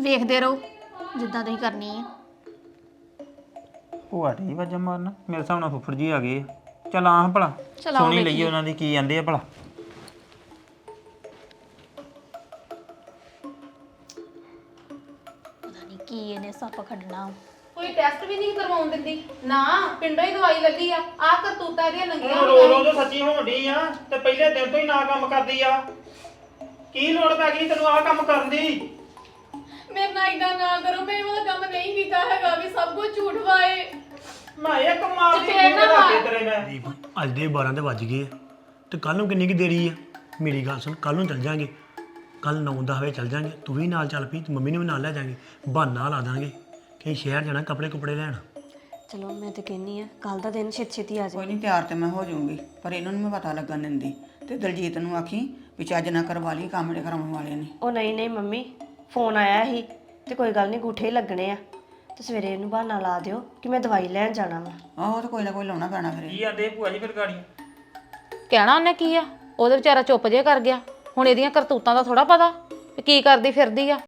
ਵੇਖਦੇ ਰਹੋ ਜਿੱਦਾਂ ਤੁਸੀਂ ਕਰਨੀ ਆ। ਭੂਆ ਠੀਕ ਵਾਜਾ ਮਾਰਨਾ ਮੇਰੇ ਹਿਸਾਬ ਨਾਲ ਫੁੱਫੜ ਜੀ ਆ ਗਏ ਆ। ਚੱਲ ਆਹ ਭਲਾ ਚਲ ਆਓ ਸੁਣੀ ਲਈਏ ਵੇਖੀਏ। ਉਹਨਾਂ ਦੀ ਕੀ ਕਹਿੰਦੇ ਆ ਭਲਾ। ਪਤਾ ਨਹੀਂ ਕੀ ਇਹਨੇ ਸੱਪ ਖੱਡਣਾ। ਕੋਈ ਟੈਸਟ ਵੀ ਨਹੀਂ ਕਰਵਾਉਣ ਦਿੰਦੀ ਨਾ, ਪਿੰਡੋਂ ਹੀ ਦਵਾਈ ਲੱਲੀ ਆ। ਆਹ ਕਰਤੂਤਾਂ ਦੀਆਂ ਨੰਗੀਆਂ ਹੁਣ ਰੋ ਰੋ ਜੋ ਸੱਚੀ ਹੋਣ ਡਈ ਆ ਤੇ ਪਹਿਲੇ ਦਿਨ ਤੋਂ ਹੀ ਨਾ ਕੰਮ ਕਰਦੀ ਆ। ਕੀ ਲੋੜ ਪੈ ਗਈ ਤੈਨੂੰ ਆਹ ਕੰਮ ਕਰਨ ਦੀ? ਮੇਰੇ ਨਾਲ ਇਦਾਂ ਨਾ ਕਰੋ, ਮੈਂ ਇਹ ਵਾਲਾ ਕੰਮ ਨਹੀਂ ਕੀਤਾ ਹੈਗਾ ਵੀ ਸਭ ਕੁਝ ਝੂਠ ਵਾਏ। ਮੈਂ ਇਹ ਕਮਾਲ ਦੀ ਤੇ ਫੇਰ ਨਾ ਗੱਲ ਤੇਰੇ ਮੈਂ ਦੀਪ ਅੱਜ ਦੇ 12 ਤੇ ਵੱਜ ਗਏ ਆ ਤੇ ਕੱਲ ਨੂੰ ਕਿੰਨੀ ਕੁ ਦੇਰੀ ਆ? ਮੇਰੀ ਗੱਲ ਸੁਣ, ਕੱਲ ਨੂੰ ਚੱਲ ਜਾਾਂਗੇ, ਕੱਲ 9-10 ਵਜੇ ਚੱਲ ਜਾਾਂਗੇ। ਤੂੰ ਵੀ ਨਾਲ ਚੱਲ ਪਈ ਤੇ ਮੰਮੀ ਨੂੰ ਵੀ ਨਾਲ ਲੈ ਜਾਾਂਗੇ। ਬਹਾਨਾ ਲਾ ਦਾਂਗੇ ਕਿ ਸ਼ਹਿਰ ਜਾਣਾ ਕੱਪੜੇ ਕੁਪੜੇ ਲੈਣ। ਚਲੋ ਮੈਂ ਤੇ ਕਹਿੰਨੀ ਆ ਕੱਲ ਦਾ ਦਿਨ ਛੇਤੀ ਆ ਕੋਈ ਜਾਏ। ਨਹੀਂ ਤਿਆਰ ਤੇ ਮੈਂ ਹੋ ਜਾਊਂਗੀ, ਪਰ ਇਹਨਾਂ ਨੂੰ ਮੈਂ ਪਤਾ ਲੱਗਣ ਦਿੰਦੀ। ਤੇ ਦਲਜੀਤ ਨੂੰ ਆਖੀ ਵੀ ਚੱਜ ਨਾ ਕਰਵਾ ਲਈ, ਕੰਮ ਜਿਹੜੇ ਕਰਾਉਣ ਵਾਲੇ ਨੇ। ਉਹ ਨਹੀਂ ਮੰਮੀ, ਫੋਨ ਆਇਆ ਸੀ ਤੇ ਕੋਈ ਗੱਲ ਨਹੀਂ, ਗੂਠੇ ਹੀ ਲੱਗਣੇ ਆ ਤੇ ਸਵੇਰੇ ਇਹਨੂੰ ਬਹਾਨਾ ਲਾ ਦਿਓ ਕਿ ਮੈਂ ਦਵਾਈ ਲੈਣ ਜਾਣਾ ਵਾ। ਆਹੋ ਤੇ ਕੋਈ ਨਾ ਕੋਈ ਲਾਉਣਾ ਪੈਣਾ ਫਿਰ। ਕੀ ਆਂਦੇ ਭੂਆ ਜੀ ਫਿਰ ਗਾੜੀ? ਕਹਿਣਾ ਉਹਨੇ ਕੀ ਆ? ਉਹਦੇ ਵਿਚਾਰਾ ਚੁੱਪ ਜੇ ਕਰ ਗਿਆ। ਹੁਣ ਇਹਦੀਆਂ ਕਰਤੂਤਾਂ ਦਾ ਥੋੜਾ ਪਤਾ ਵੀ ਕੀ ਕਰਦੀ ਫਿਰਦੀ ਆ।